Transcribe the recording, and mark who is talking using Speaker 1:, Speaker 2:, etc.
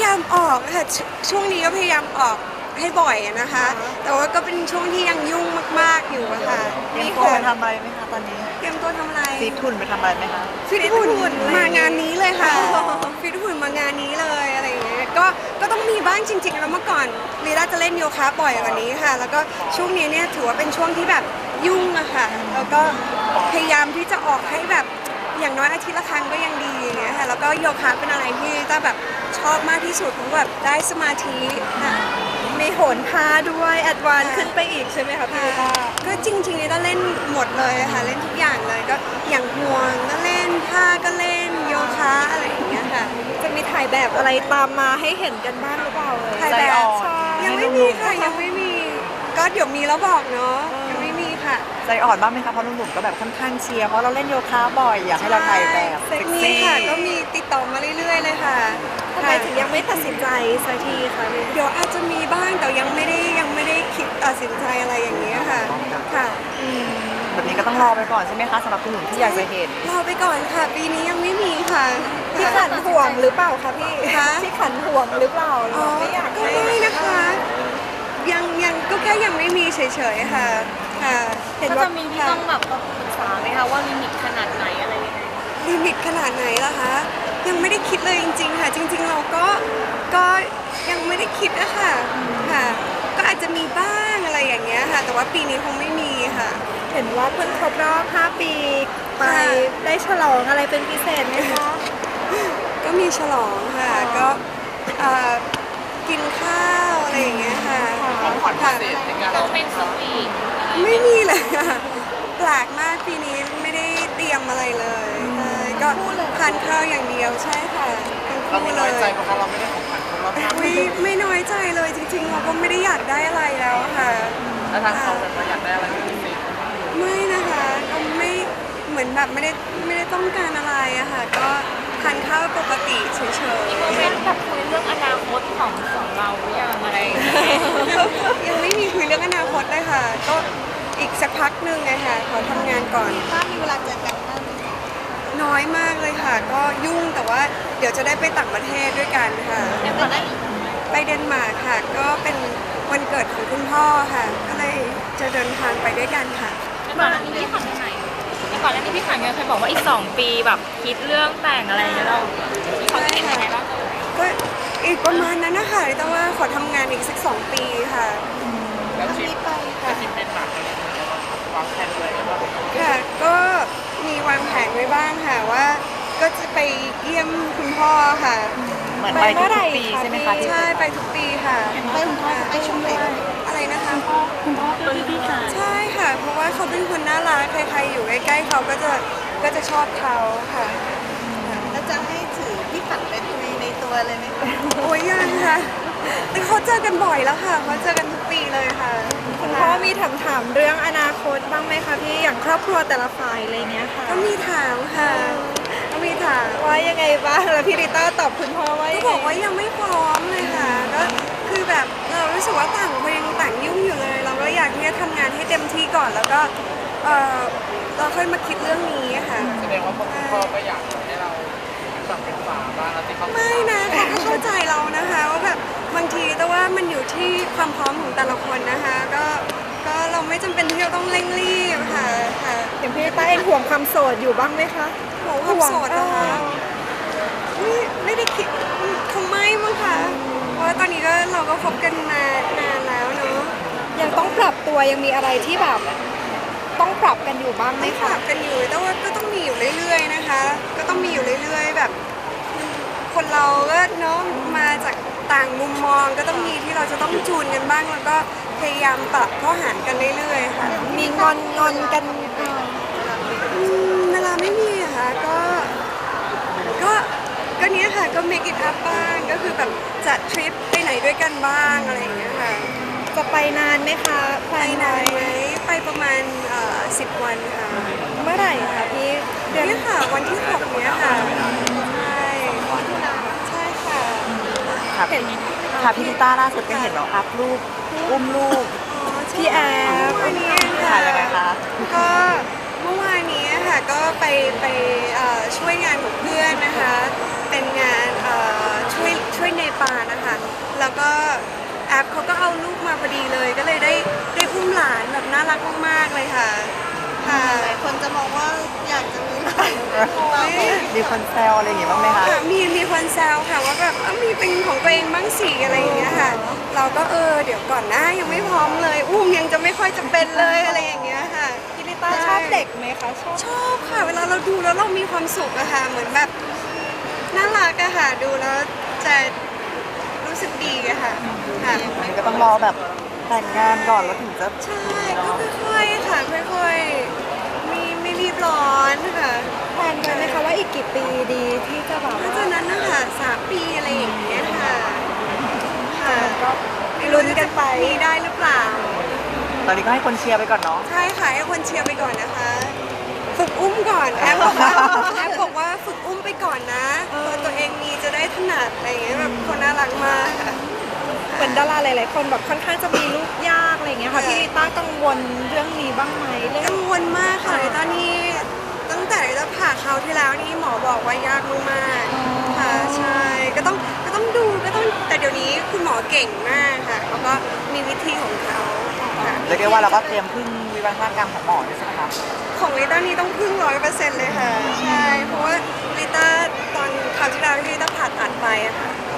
Speaker 1: ามออกค่ะช่วงนี้ก็พยายามออกให้บ่อยนะคะ แต่ว่าก็เป็นช่วงที่ยังยุ่งมากๆอยู่อะค่ะ
Speaker 2: มีตัวไปทำอะไรไหมคะตอนนี้
Speaker 1: เตรียมตัวทำอะไร
Speaker 2: ฟิตหุ่นไปทำอะไรไหมคะ
Speaker 1: ฟิตหุ่นมางานนี้เลยค่ะฟิตหุ่นมางานนี้เลยอะไรอย่างเงี้ยก็ต้องมีบ้างจริงๆแล้วเมื่อก่อนลีลาจะเล่นโยคะบ่อยกว่านี้ค่ะ แล้วก็ช่วงนี้เนี่ยถือว่าเป็นช่วงที่แบบยุ่งอะค่ะแล้วก็พยายามที่จะออกให้แบบอย่างน้อยอาทิตย์ละครั้งก็ยังดีอย่างเงี้ยค่ะแล้วก็โยคะเป็นอะไรที่ต้าแบบชอบมากที่สุดเพราะแบบได้สมาธิค่ะ
Speaker 3: มีโหนพาด้วยแอดวานซ์ขึ้นไปอีกใช่ไหมคะพี่ลิต้า
Speaker 1: ก็จริงๆนี่ต้าเล่นหมดเลยค่ะเล่นทุกอย่างเลยก็อย่างห่วงก็เล่นผ้าก็เล่นโยคะอะไรอย่างเงี้ยค่ะ
Speaker 3: จะมีถ่ายแบบอะไรตามมาให้เห็นกันบ้างหรือเปล่าเลย
Speaker 1: ถ่ายแบบ
Speaker 3: ใช่
Speaker 1: ยังไม่มีค่ะยังไม่มี ก็เดี๋ยวมีแล้วบอกเนาะยังไม่มีค่ะ
Speaker 2: ใจอ่อนบ้างไหมคะเพราะหนุ่มๆก็แบบค่อนข้างเชียร์เพราะเราเล่นโยคะบ่อยอยากให้เราถ่ายแบบเซ็ก
Speaker 1: มี
Speaker 2: ซี่
Speaker 1: ค่ะก็มีติดต่อมาเรื่อยๆเลยค่ะ
Speaker 3: ทำไมถึงยังไม่ตัดสินใจสักทีคะพี่
Speaker 1: เดี๋ยวอาจจะมีบ้างแต่ยังไม่ได้คิดตัดสินใจอะไรอย่างเงี้ยค่ะค่ะ
Speaker 2: แบบนี้ก็ต้องรอไปก่อนใช่ไหมคะสำหรับคุณหนุ่มที่อยากจะเห็น
Speaker 1: รอไปก่อนค่ะ ปีนี้ยังไม่มีค่ะ
Speaker 3: พี่ขันห่วงหรือเปล่าคะพี่
Speaker 1: คะ
Speaker 3: พี่ขันห่วงหรือเปล่าหรือ
Speaker 1: อ๋อ
Speaker 3: ว่าไม่อยาก
Speaker 1: ก็
Speaker 3: ให้
Speaker 1: ไม่นะคะ ยังก็แค่ยังไม่มีเฉยๆค่ะค่ะ
Speaker 3: เห็น
Speaker 4: ก็
Speaker 3: ว่า
Speaker 4: จะมีที่ต้องแบบปรึกษาไหมคะว่าลิมิตขนาดไหนอะไรยังไง
Speaker 1: ลิมิตขนาดไหนล่ะคะ ยังไม่ได้คิดเลยจริงๆค่ะ จริง ๆ เราก็ยังไม่ได้คิดอะค่ะค่ะ ก็อาจจะมีบ้างอะไรอย่างเงี้ยค่ะ แต่ว่าปีนี้คงไม่มีค่ะ
Speaker 3: เห็นว่าเพิ่งครบรอบ5 ปีไป
Speaker 1: ค่ะ
Speaker 3: ได้ฉลองอะไรเป็นพิเศษไหมคะ
Speaker 1: ก็มีฉลองค่ะ ก็กินข้าวอะไรอย่างเงี้ยค่ะค่ะ
Speaker 4: ต้องเป็นสวีท
Speaker 1: ไม่มีเลยค่ะแปลกมากปีนี้ไม่ได้เตรียมอะไรเลยใช่ก็ทานข้าวอย่างเดียวใช่ค่ะทั้งคู่เลย
Speaker 5: เพราะเราไม่ได้ของขวัญครบรอบ5
Speaker 1: อุ๊ยไม่น้อยใจเลยจริงๆเราก็ไม่ได้อยากได้อะไรแล้วค่ะ
Speaker 5: แล้วทางเขาแบบว่าอยากได้อะไรเป็นพิเศษ
Speaker 1: ไม่นะคะก็ไม่เหมือนแบบไม่ได้ต้องการอะไรอะค่ะ ก็ทานข้าวปกติเฉย
Speaker 4: โมเมนต์แบบคุยเรื่องอนาคตของเราหรือยังอะไรอย่างเงี้ย
Speaker 1: ๆยังไม่มีคุยเรื่องอนาคตเลยค่ะ ก็อีกสักพักหนึ่งไงค่ะขอทำงานก่อน
Speaker 3: ถ้ามีเวลาเจอกันบ้าง
Speaker 1: น้อยมากเลยค่ะ ก็ยุ่งแต่ว่าเดี๋ยวจะได้ไปต่างประเทศด้วยกันค่ะ
Speaker 4: แต่ก่อนหน้านี้
Speaker 1: ไปเดนมาร์กค่ะ ก็เป็นวันเกิดของคุณพ่อค่ะ ก็เลยจะเดินทางไปด้วยกันค่ะ
Speaker 4: แต่ก่อนหน้านี้พี่ขันไปไหนแต่ก่อนหน้านี้พี่ขันเคยบอกว่าอีก2 ปีแบบคิดเรื่องแต่งอะไรอย่างเงี้ยเรามีความคิดยังไงบ้าง
Speaker 1: ก็อีกประมาณนั้นนะคะแต่ว่าขอทำงานอีกสัก2 ปีค่ะ
Speaker 5: แล้วทริป
Speaker 1: ค่ะ
Speaker 5: ทริปเป็นหมากอะไรอย่างเงี้ยวางแผนไว้ไหมว่า
Speaker 1: ค่ะ ก็มีวางแผนไว้บ้างค่ะว่า ก็จะไปเยี่ยมคุณพ่อค่ะ
Speaker 2: เหมือนไปทุกๆปีใช่ไหมคะที่
Speaker 1: ใช่ไปทุกปีค่ะไปคุณพ่อไปชมเลยอะไรนะคะคุณพ่อเป็นพี่ค่ะใช่ค่ะ เพราะว่าเขาเป็นคนน่ารักใครๆอยู่ใกล้ๆเขาก็จะชอบเขาค่ะ
Speaker 3: แล้วจะให้ถือพี่ขันเป็นในตัวเลยไหมคะ
Speaker 1: โอ้ยยังค่ะแต่เขาเจอกันบ่อยแล้วค่ะเขาเจอกันทุกปีเลยค่ะ
Speaker 3: คุณพ่อมีถามเรื่องอนาคตบ้างไหมคะพี่อย่างครอบครัวแต่ละฝ่ายอะไรเงี้ยค่ะ
Speaker 1: ก็มีถามค่ะก็มีถาม
Speaker 3: ว่ายังไงบ้างแล้วพี่ริต้าตอบคุณพ่อว่า
Speaker 1: ก็
Speaker 3: ยัง
Speaker 1: บ
Speaker 3: ไง
Speaker 1: อกว่ายังไม่พร้อมเลยค่ะก็คือแบบเรารู้สึกว่าต่างคนยังต่างยุ่งอยู่เลย เราก็อยากที่จะทำงานให้เต็มที่ก่อนแล้วก็เราค่อยมาคิดเรื่องนี้ค่ะ
Speaker 5: แสดงว่าพ่อก็อยากให้เราปรับเป็นฝาบ้างแล้วที่เขา
Speaker 1: ไม่นะเขาก็เข้าใจเรานะคะว่าแบบบางทีแต่ว่ามันอยู่ที่ความพร้อมของแต่ละคนนะคะก็เราไม่จำเป็นที่จะต้องเร่งรีบค่ะค่ะ
Speaker 3: อย่างพี่ริต้าเองห่วงความโสดอยู่บ้างไหมคะ
Speaker 1: ห่วงความโสดนะคะไม่ได้คิดคงไม่มั้งคะเพราะว่าตอนนี้เราก็คบกันมานานแล้วเนาะ
Speaker 3: ยังต้องปรับตัวยังมีอะไรที่แบบต้องปรับกันอยู่บ้างไหม
Speaker 1: ไม่ป
Speaker 3: คะ
Speaker 1: รับกันอยู่แต่ว่าก็ต้องมีอยู่เรื่อยๆนะคะ ก็ต้องมีอยู่เรื่อยๆแบบ คนเราก็เนาะมาจากต่างมุมมองก็ต้องมีที่เราจะต้องจูนกันบ้างแล้วก็พยายามปรับเข้าหากันเรื่อยๆค่ะ
Speaker 3: มีงอนกัน
Speaker 1: เวลาไม่มีอะค่ะก็เนี้ยค่ะก็ make it up บ้างก็คือแบบจัดทริปไปไหนด้วยกันบ้างอะไรอย่างเงี้ยค่ะ
Speaker 3: จะไปนานไหมคะ
Speaker 1: ไปนานไหมไปประมาณ10 วันค่ะ
Speaker 3: เมื่อไหร่คะพี่เดือน
Speaker 1: เนี่ยค่ะวันที่6เนี้ยค่ะใช่ใช่ค่ะ
Speaker 2: ค่ะค่ะพี่ลิต้าล่าสุดก็เห็นเราอัพรูปอุ้มลูก
Speaker 3: พี่แอฟ
Speaker 1: วันนี้
Speaker 2: ค่ะ
Speaker 1: ค่ะ
Speaker 2: ยังไงคะ
Speaker 1: ก็เมื่อวานนี้ค่ะก็ไปช่วยงานของเพื่อนนะคะ เป็นงานช่วยช่วยเนปาลนะคะแล้วก็แอปเขาก็เอาลูกมาพอดีเลยก็เลยได้อุ้มหลานแบบน่ารักมากๆเลยค่ะค่ะ
Speaker 3: หลายคนจะมองว่าอยากจะมีหลาน
Speaker 2: มีคนแซวอะไรอย่างงี้บ้างไหมคะ
Speaker 1: ค่ะมีคนแซวค่ะว่าแบบมีเป็นของตัวเองบ้างสิอะไรอย่างเงี้ยค่ะ เราก็เดี๋ยวก่อนนะยังไม่พร้อมเลยอุ้มยังจะไม่ค่อยจะเป็นเลยอะไรอย่างเงี้ยค่ะ
Speaker 3: พี่ลิต้าชอบเด็กไหมคะชอบ
Speaker 1: ค่ะเวลาเราดูแล้วเรามีความสุขอะค่ะเหมือนแบบน่ารักอะค่ะดูแล้วจะรู้สึกดีอะค่ะค่ะ
Speaker 2: อันนี้ก็ต้องรอแบบแต่งงานก่อนแล้วถึงจะ
Speaker 1: ใช่ก็ค่อยๆค่ะค่อยๆไม่รีบร้อนค่ะ
Speaker 3: แพลนไว้ไหมคะว่าอีกกี่ปีดีที่จะแบบ
Speaker 1: น่า
Speaker 3: ว่า
Speaker 1: จะนั้นนะคะ3 ปีอะไรอย่างเงี้ยค่ะค่ะ
Speaker 3: ก็ลุ้นกันไป
Speaker 1: มีได้หรือเปล่า
Speaker 2: ตอนนี้ก็ให้คนเชียร์ไปก่อนเนาะ
Speaker 1: ใช่ค่ะให้คนเชียร์ไปก่อนนะคะ ฝึกอุ้มก่อนแอปบอกว่าฝึกอุ้มไปก่อนนะตัวเองมีจะได้ถนัดอะไรอย่างเงี้ยแบบคนน่ารักมากค่ะ
Speaker 3: เหมือนดาราหลายๆคนแบบค่อนข้างจะมีลูกยากอะไรอย่างเงี้ยค่ะพี่ลิต้ากังวลเรื่องนี้บ้างไหมเรื่อง
Speaker 1: กังวลมากค่ะตอนนี้ตั้งแต่เราผ่าเขาวที่แล้วนี่หมอบอกว่ายากมากๆค่ะใช่ก็ต้องดูแต่เดี๋ยวนี้คุณหมอเก่งมากค่ะเขาก็มีวิธีของเขาค่ะ
Speaker 2: เรียกได้ว่าเราก็เตรียมพึ่งวิวัฒนาการของหมอด้วยใช่ไหมคะ
Speaker 1: ของลิต้านี่ต้องพึ่ง100%เลยค่ะ ใช่ เพราะว่าลิต้าตอนคราวที่แล้วที่ลิต้าผ่าตัดไปอะค่ะ